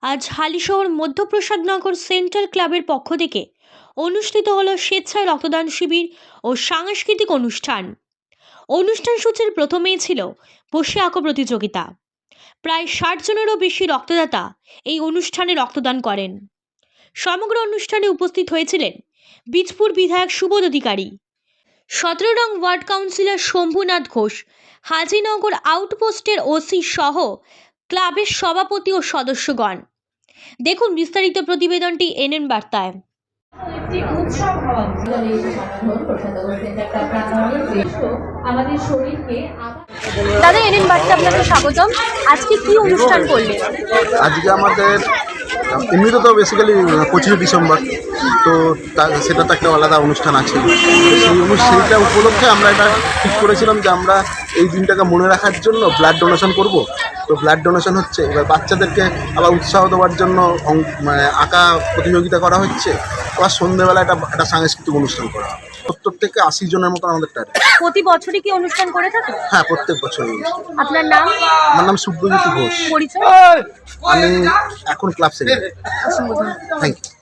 আজ হালিশহর মধ্যপ্রসাদনগর সেন্ট্রাল ক্লাবের পক্ষ থেকে অনুষ্ঠিত হলো স্বেচ্ছায় রক্তদান শিবির ও সাংস্কৃতিক অনুষ্ঠান। অনুষ্ঠান সূচির প্রথমেই ছিল বসে আঁকো প্রতিযোগিতা। প্রায় 60 জনেরও বেশি রক্তদাতা এই অনুষ্ঠানে রক্তদান করেন। সমগ্র অনুষ্ঠানে উপস্থিত হয়েছিলেন বীজপুর বিধায়ক সুবোধ অধিকারী, 17 নং ওয়ার্ড কাউন্সিলর শম্ভুনাথ ঘোষ, হাজিনগর আউটপোস্টের ওসি সহ ক্লাবের সভাপতি ও সদস্যগণ। দেখুন বিস্তারিত প্রতিবেদনটি এনএন বার্তায়। দাদা, এনএন বার্তা আপনাকে স্বাগতম। আজকে কি অনুষ্ঠান করলেন? আজকে আমাদের এমনিতে তো বেসিক্যালি 25 ডিসেম্বর, তো সেটা তো একটা আলাদা অনুষ্ঠান আছে। সেইটা উপলক্ষে আমরা এটা ঠিক করেছিলাম যে আমরা এই দিনটাকে মনে রাখার জন্য ব্লাড ডোনেশন করব। তো ব্লাড ডোনেশন হচ্ছে, এবার বাচ্চাদেরকে আবার উৎসাহ দেওয়ার জন্য মানে আঁকা প্রতিযোগিতা করা হচ্ছে। আবার সন্ধ্যেবেলা একটা সাংস্কৃতিক অনুষ্ঠান করা হয়। 70 থেকে 80 জনের মতো আমাদের টার্গেট। প্রতি বছরই কি অনুষ্ঠান করে থাকে? হ্যাঁ, প্রত্যেক বছরই। আপনার নাম? আমার নাম সুব্রজিৎ ঘোষ। পরিচয়? আমি এখন ক্লাব সেক্রেটারি। অসংখ্য ধন্যবাদ। Thank you.